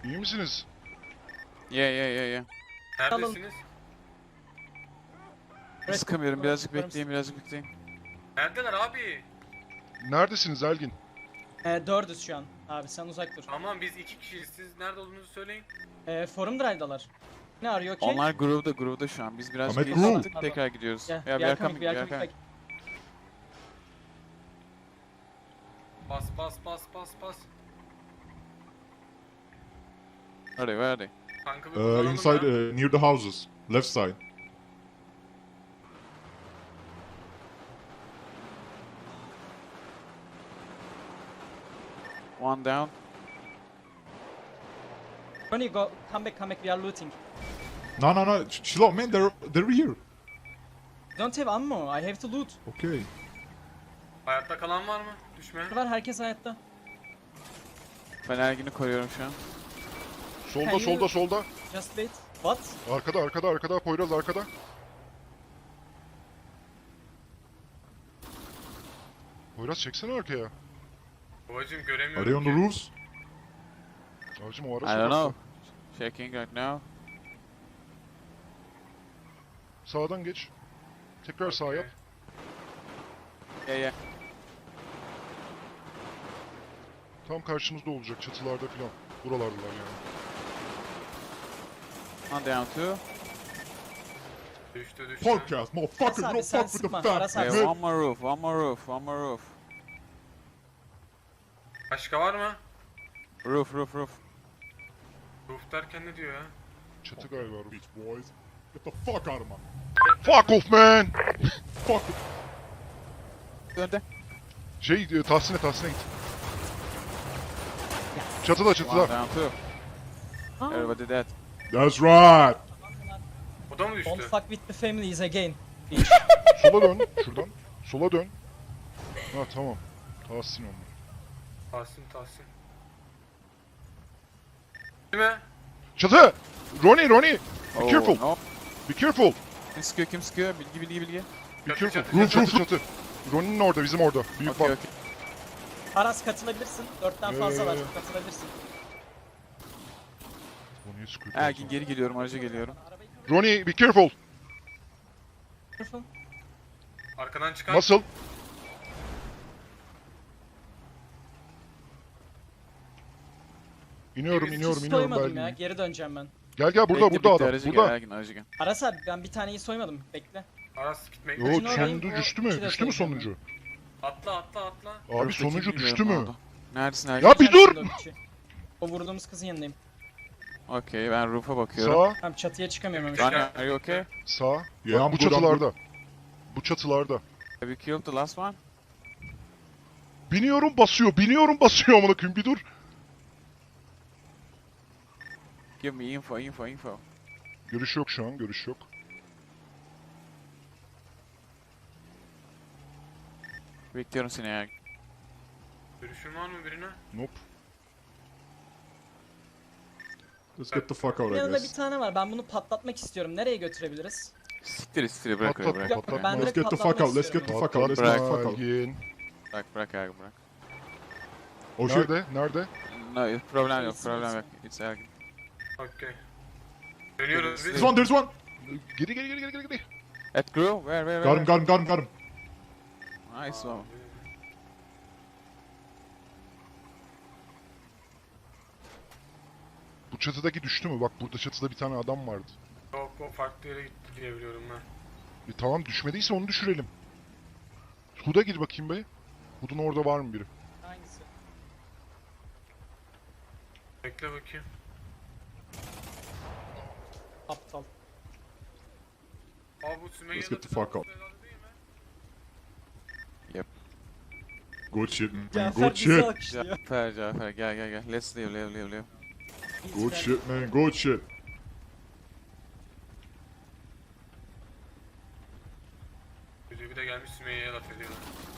İyi misiniz? Yeah. Neredesiniz? Sıkamıyorum. Birazcık bekleyin. Neredeler abi? Neredesiniz Elgin? 4'üz şu an. Abi sen uzak dur. Aman biz 2 kişiyiz. Siz nerede olduğunuzu söyleyin. Forum drive'dalar. Ne arıyor ki? Onlar groove'da şu an. Biz birazcık Ahmet, geri groove. sattık, tekrar gidiyoruz. Yeah, Ya we are coming, we are coming back. Bas. Where are they? Tankı bir kullanalım Inside, ya. near the houses. Left side. One down. Ronnie, go, come back, we are looting. No. Chill out, man. They're here. Don't have ammo, I have to loot. Okay. Hayatta kalan var mı? Düşme. Var herkes hayatta. Ben Ergin'i koruyorum şu an. Solda. Just wait. What? Arkada. Poyraz arkada. Poyraz çeksene arkaya. Babacım Are göremiyorum they on the ki. roofs? Abicim o ara I don't sokakta. know. Checking right now. Sağdan geç. Tekrar sağ yap. Yeah. Tam karşımızda olacak çatılarda filan. Buralardalar yani. One down two. Düştü. Podcast, motherfucker. Aras You abi, don't sen fuck with the sıkma. facts, Aras abi, Okay, man. one more roof. Başka var mı? Roof. Roof derken ne diyor ya? Çatı galiba. bu. Bitch boys. Get the fuck out of my... Fuck off man! Fuck. Önde. Tahsin'e git. Çatıda. One down two. Aa, Everybody dead. That's right. O da mı don't düştü? fuck with the families again. Sola dön. Şuradan. Sola dön. Ha tamam. Tahsin onlar. Tahsin. Değil mi? Çatı! Ronnie! Be Oh, careful! No. Be careful! Kim sıkıyor? Bilgi. Be Çatı, careful! çatı, Çatı. Ronnie'nin orada, bizim orada. Büyük Okay. bak. Aras katılabilirsin. 4'ten fazla var. Ee. Katılabilirsin. Ronnie'ye sıkıyor. Ergin geri geliyorum, araca geliyorum. Ronnie, be careful! Careful. Arkadan çıkan. Nasıl? İniyorum Hiç soymadım ya. Berlin. Geri döneceğim ben. Gel burada Bekle, burada adam. aracı Burada. Gel, Ergin aracı gel. Aras abi ben bir taneyi soymadım. Bekle. Aras gitmek. Yo Kaçın oradayım, sonuncu o düştü mü? ikisi de Düştü mü soyacağım sonuncu? Atla. Abi Orada sonuncu kim düştü bilmiyorum mü? oldu. Neredesin Ergin? Ya bir dur! Sen şimdi o vurduğumuz kızın yanındayım. Okey, ben roof'a bakıyorum. Sağ, Tamam çatıya çıkamıyorum. Tekrar. Öyle. Rania, are you okay? sağ. Yeah, Bak, bu I'm good, I'm çatılarda. Bu çatılarda. Have you killed the last one? Biniyorum basıyor amına koyayım bir dur. Give me info. Görüş yok şu an, görüş yok. Bekliyorum seni Ergin. Görüşün var mı birine? Nope. Let's get the fuck out, I Yanında bir guess. tane var. Ben bunu patlatmak istiyorum. Nereye götürebiliriz? Siktir bırak oraya Patlat, bırak. patlat. oraya. Ben Let's direkt get the fuck patlatmak out, let's get istiyorum. the fuck out, let's get the fuck out. Ergin. Bırak Ergin bırak. Oh shit. Nerede? No, problem yok. It's Ergin. Okey. Dönüyoruz biz. There's one. Geri. At Grove? Where? Got him. Nice one. Bu çatıdaki düştü mü? Bak burada çatıda bir tane adam vardı. Yok o farklı yere gitti diye biliyorum ben. Tamam düşmediyse onu düşürelim. Hud'a gir bakayım be. Hud'un orada var mı biri? Hangisi? Bekle bakayım. Aptal. Aa bu Sümeyye'de Let's get the fuck out. değil mi? Good shit, man. Cafer Good bizi shit. alkışlıyor. Cafer gel. Let's live. Good shit, man. Good shit. Bir de gelmiş Sümeyye'ye laf ediyor.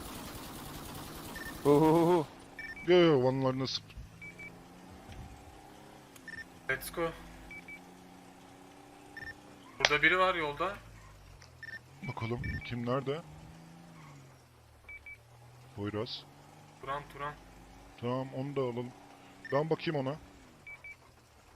Yo vanlarına sıp. Let's go. Burada biri var yolda. Bakalım kim nerede? Poyraz. Turan. Tamam onu da alalım. Ben bakayım ona.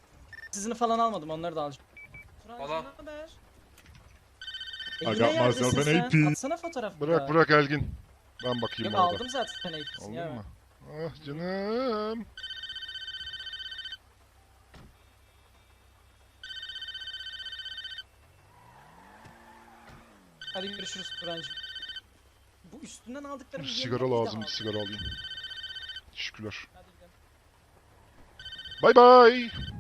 Sizini falan almadım, onları da alacağım. Turancığım Valla. ne haber? I Yine got neredesin myself an sen? AP. Atsana fotoğraf. Bırak bırak Elgin. Ben bakayım Yok orada. aldım zaten sen AP'sin Aldın ya. mı? Ah canım. Hadi görüşürüz Turancığım. Bu üstünden aldıklarım Bir yerine sigara bir de lazım, bir al. sigara alayım. Teşekkürler. Hadi gidelim. Bay bay.